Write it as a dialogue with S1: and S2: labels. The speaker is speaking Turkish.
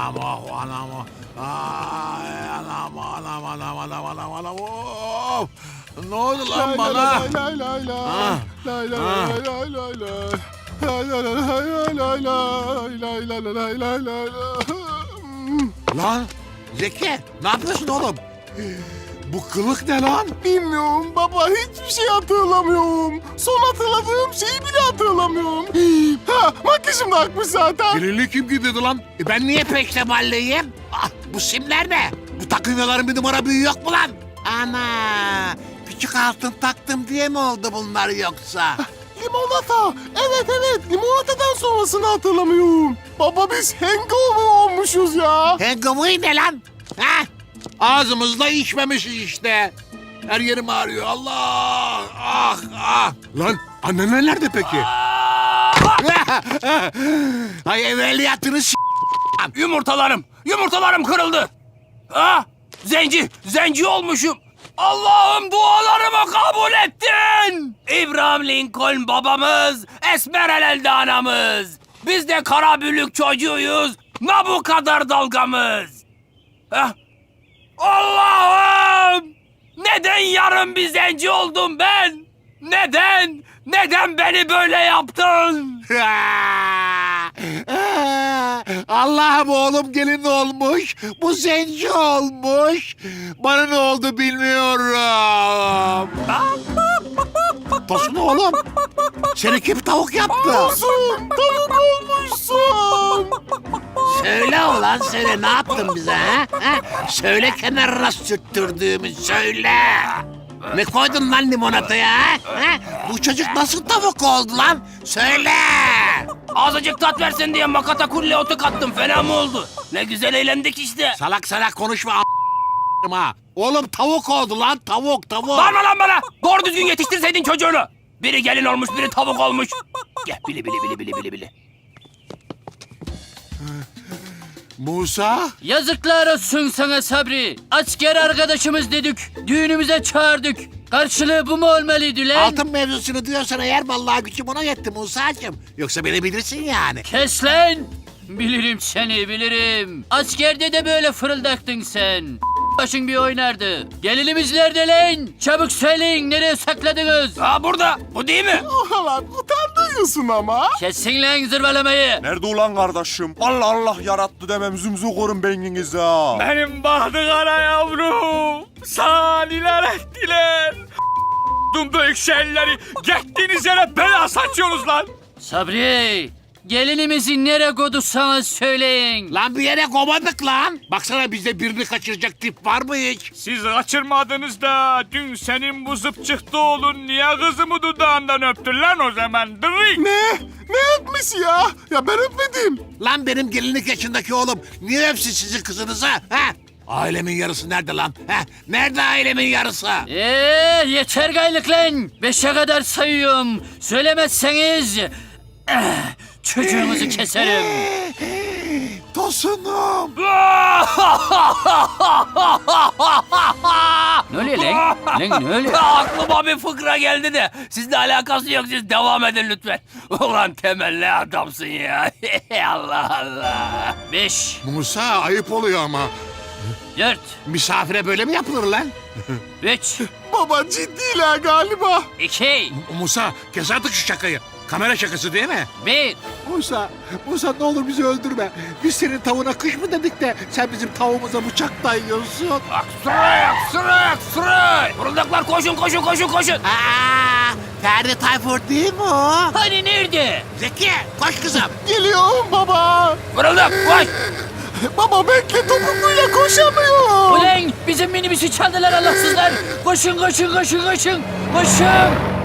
S1: Anam oh anam oh. Ay anam anam anam anam anam anam of. Ne oldu lan bana?
S2: Lay lay lay lay.
S1: Ah.
S2: Lay lay
S1: Ah.
S2: lay lay lay lay. Lay lay lay lay lay lay. Lay lay lay lay lay lay.
S1: Lan Zeki ne yapıyorsun oğlum? Bu kılık ne lan?
S2: Bilmiyorum baba, hiçbir şey hatırlamıyorum. Son hatırladığım şeyi bile hatırlamıyorum. Ha, makyajım da akmış zaten.
S1: Birini kim giydirdi lan? Ben niye peştemalliyim? Ah, bu simler ne? Bu takınyaların bir numara büyüğü yok mu lan? Ana! Küçük altın taktım diye mi oldu bunlar yoksa?
S2: Limonata. Evet evet, limonatadan sonrasını hatırlamıyorum. Baba biz hangover olmuşuz ya.
S1: Hangover ne lan? Ha? Ağzımızla içmemişiz işte. Her yerim ağrıyor. Allah! Ah ah! Lan annen nerede peki? Ay evveliyatını
S3: Yumurtalarım kırıldı. Ah, zenci olmuşum. Allah'ım dualarımı kabul ettin. İbrahim Lincoln babamız, Esmeralda anamız. Biz de Karabülük çocuğuyuz. Ne bu kadar dalgamız? Ah, Allah'ım! Neden yarın bir zenci oldum ben? Neden? Neden beni böyle yaptın?
S1: Allah'ım oğlum gelin olmuş. Bu zenci olmuş. Bana ne oldu bilmiyorum. Tosun oğlum. Seni kim tavuk yaptı?
S2: Olsun, tavuk olmuşsun.
S1: Söyle ulan söyle ne yaptın bize ha? Söyle kenarına sürttürdüğümü söyle. Ne koydun lan limonataya ha? Bu çocuk nasıl tavuk oldu lan? Söyle.
S3: Azıcık tat versin diye makata kulle otu kattım. Fena mı oldu? Ne güzel eğlendik işte.
S1: Salak salak konuşma ha. Oğlum tavuk oldu lan tavuk.
S3: Bağırma lan bana. Doğru düzgün yetiştirseydin çocuğunu. Biri gelin olmuş, biri tavuk olmuş. Gel bili.
S1: Musa?
S4: Yazıklar olsun sana Sabri. Asker arkadaşımız dedik. Düğünümüze çağırdık. Karşılığı bu mu olmalıydı lan?
S1: Altın mevzusunu diyorsan eğer vallahi gücüm ona yetti Musa'cığım. Yoksa beni bilirsin yani.
S4: Kes lan. Bilirim seni bilirim. Askerde de böyle fırıldaktın sen. Başın bir oynardı. Gelinimiz nerede lan? Çabuk söyleyin, nereye sakladınız?
S3: Ha burada. Bu değil mi?
S2: Lan utandırıyorsun ama.
S4: Kesin lan zırvalamayı.
S5: Nerede ulan kardeşim? Allah yarattı demem zümzü korun beyninizi ha.
S3: Benim bahtı kara yavrum. Saniler ettiler. Büyük şeyleri gittiğiniz yere bela saçıyorsunuz lan.
S4: Sabri, gelinimizi nereye koyduysanız söyleyin.
S1: Lan bir yere komadık lan. Baksana bizde birini kaçıracak tip var mı hiç?
S3: Siz kaçırmadınız da dün senin bu zıpçıkta oğlun niye kızımı dudağından öptün lan o zaman? Dırık.
S2: Ne yapmış ya? Ya ben öpmedim.
S1: Lan benim gelinlik yaşındaki oğlum niye öpsün sizin kızınızı? Ha? Ailemin yarısı nerede lan? Ha? Nerede ailemin yarısı?
S4: Yeter gaylık lan. 5'e kadar sayıyorum. Söylemezseniz çocuğunuzu keserim.
S1: Tosunum.
S4: Ne oluyor lan? Lan ne oluyor?
S3: Aklıma bir fıkra geldi de sizle alakası yok, siz devam edin lütfen. Ulan temelli adamsın ya. Allah Allah.
S4: 5,
S1: Musa ayıp oluyor ama.
S4: 4,
S1: Misafire böyle mi yapılır lan?
S4: 3,
S2: Baba ciddiler galiba.
S4: 2,
S1: Musa kes artık şu şakayı. Kamera şakası değil mi?
S4: 1.
S1: Musa ne olur bizi öldürme. Biz senin tavuğuna kış mı dedik de sen bizim tavuğumuza bıçak dayıyorsun.
S3: Sıraya. Fırıldaklar koşun.
S1: Aa, Ferdi Tayfur değil mi o?
S4: Hani nerede?
S1: Zeki koş kızım.
S2: Geliyorum baba.
S3: Fırıldak koş.
S2: Baba bekle, topukluyla koşamıyor.
S4: Ulan bizim minibüsü çaldılar Allahsızlar. Koşun. Koşun.